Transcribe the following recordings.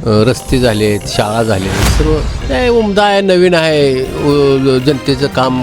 रस्ते झालेत, शाळा झाले, सर्व काय उमदा आहे, नवीन आहे, जनतेचं काम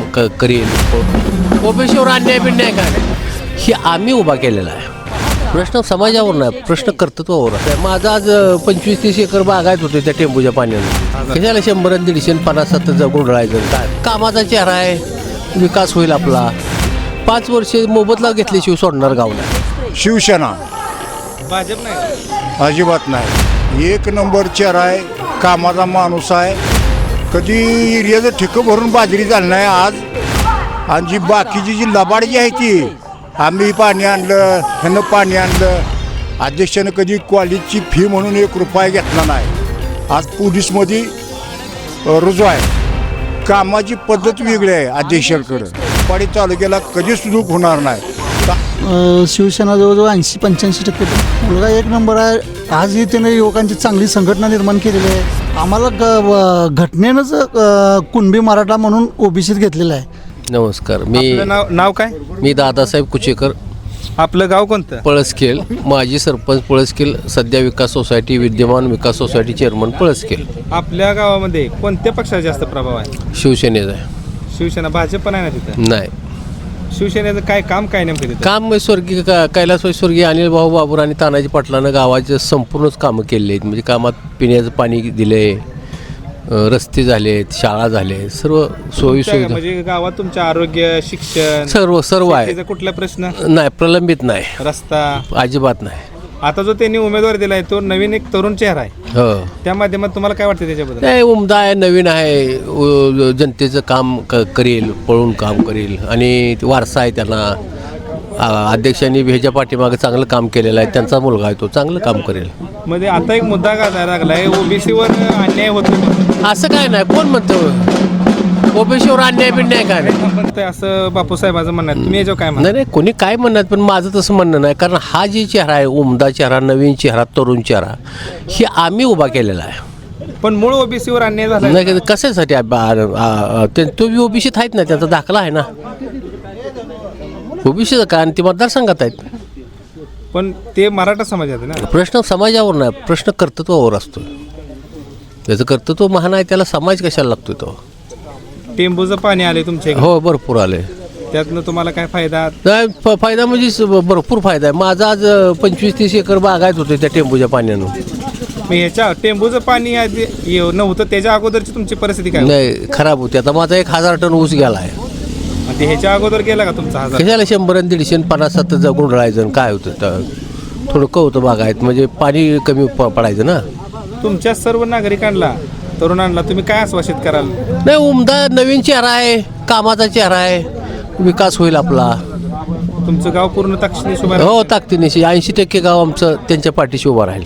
करेल. ओबीसीवर अन्याय बिन्याय काय हे आम्ही उभा केलेला आहे. प्रश्न समाजावर नाही, प्रश्न कर्तृत्वावर आहे. माझं आज 25-30 एकर बागायत होते त्या टेंबूच्या पाण्यानं. कशाला 100-150 गुंडळायचं काय? कामाचा चेहरा आहे, विकास होईल आपला. 5 वर्षे मोबदला घेतल्याशिवाय सोडणार गाव नाही. शिवसेना भाजप नाही, अजिबात नाही. 1 नंबर चेहरा आहे, कामाचा माणूस आहे. कधी एरियाचं ठिकं भरून बाजरी झाली नाही आज. आणि जी बाकीची जी लबाड जी आहे ती, आम्ही पाणी आणलं, ह्यानं पाणी आणलं. अध्यक्षानं कधी कॉलेजची फी म्हणून 1 रुपया घेतला नाही. आज पोलीसमध्ये रुजू आहे. कामाची पद्धत वेगळी आहे अध्यक्षांकडं. पाडी तालुक्याला कधीच सुरू होणार नाही. शिवसेना जवळजवळ 80-85% मुलगा 1 नंबर आहे. आजही त्याने युवकांची चांगली संघटना निर्माण केलेली आहे. आम्हाला घटनेनंच कुणबी मराठा म्हणून ओबीसीत घेतलेलं आहे. नमस्कार, आपलं नाव काय? मी दादासाहेब कुचेकर, आपलं गाव कोणतं? पळसखेल, माजी सरपंच पळसखेल, सध्या विकास सोसायटी, विद्यमान विकास सोसायटी चेअरमन पळसखेल. आपल्या गावामध्ये कोणत्या पक्षाचा जास्त प्रभाव आहे? शिवसेनेचा आहे. शिवसेना. भाजप पण आहे ना तिथं? नाही. शिवसेनेचं काय काम काय नेमकं तिथं? काम स्वर्गीय कैलासवासी स्वर्गीय अनिल भाऊ बाबूर आणि तानाजी पाटलानं गावाचे संपूर्णच कामं केले आहेत. म्हणजे कामात पिण्याचं पाणी दिले, रस्ते झालेत, शाळा झाले, सर्व सोयी सुविधा. म्हणजे गावात तुमचं आरोग्य, शिक्षण, सर्व आहे. शेतीचा कुठला प्रश्न नाही, प्रलंबित नाही, रस्ता अजिबात नाही. आता जो त्यांनी उमेदवार दिलाय तो नवीन एक तरुण चेहरा आहे. हो, त्या माध्यमात तुम्हाला काय वाटतं त्याच्याबद्दल? नाही, उमदा आहे, नवीन आहे, जनतेचं काम करेल, पळून काम करेल आणि वारसा आहे त्यांना. अध्यक्षांनी ह्याच्या पाठीमागे चांगलं काम केलेलं आहे. त्यांचा मुलगा आहे, तो चांगलं काम करेल. म्हणजे आता एक मुद्दा गाजायला लागलाय, ओबीसीवर अन्याय होतो. असं काय नाही, कोण म्हणतं ओबीसीवर अन्याय बिन्याय काय नाही. पण ते असं बापूसाहेबांचं म्हणणं आहे. तुम्ही याच्यावर काय म्हणता? नाही, कोणी काय म्हणणार, पण माझं तसं म्हणणं नाही. कारण हा जे चेहरा आहे, उमदा चेहरा, नवीन चेहरा, तरुण चेहरा, हे आम्ही उभा केलेला आहे. पण मूळ ओबीसीवर अन्याय झाला नाही, कशासाठी तो बी ओबीसीत आहेत ना, त्याचा दाखला आहे ना ओबीसीचा का, आणि ते मतदारसंघात आहेत. पण ते मराठा समाजात आहे ना. प्रश्न समाजावर नाही, प्रश्न कर्तृत्वावर असतो. त्याचं कर्तृत्व महान आहे, त्याला समाज कशाला लागतो तो. टेंबूचं पाणी आले तुमच्या इकडे, हो, भरपूर आले. त्यातनं तुम्हाला काय फायदा? नाही, फायदा म्हणजे भरपूर फायदा आहे. माझा आज 25-30 एकर बागायत होते त्या टेंबूच्या पाण्यानं. मग ह्याच्या टेंबूचं पाणी आधी नव्हतं, त्याच्या अगोदरची तुमची परिस्थिती काय? नाही, खराब होती. आता माझा 1000 टन ऊस गेला आहे. ते ह्याच्या अगोदर गेला का तुमचा 1000? कशाला 100-150 गुंडळायचं काय होतं तर थोडं होतं बागायत, म्हणजे पाणी कमी पडायचं ना. तुमच्या सर्व नागरिकांना, तरुणांना तुम्ही काय आश्वासित कराल? नाही, उमदा नवीन चेहरा आहे, कामाचा चेहरा आहे, विकास होईल आपला. तुमचं गाव पूर्ण ताकदीने उभं हो, ताकदीनिशी 80% गाव आमचं त्यांच्या पाठीशी उभं राहील.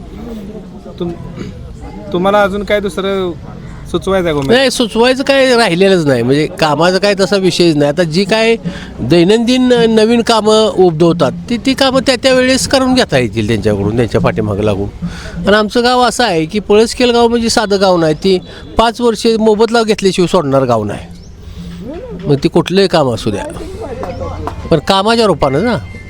तुम्हाला अजून काय दुसरं सुचवायचं आहे? नाही, सुचवायचं काय राहिलेलंच नाही. म्हणजे कामाचा काय तसा विषयच नाही. आता जी काय दैनंदिन नवीन कामं उद्भवतात ती कामं त्या वेळेस करून घेता येतील त्यांच्याकडून, त्यांच्या पाठीमागे लागून. आणि आमचं गाव असं आहे की पळसखेल गाव म्हणजे साधं गाव नाही. ती 5 वर्षे मोबदला घेतल्याशिवाय सोडणार गाव नाही. मग ती कुठलंही काम असू द्या, पण कामाच्या रूपानं ना.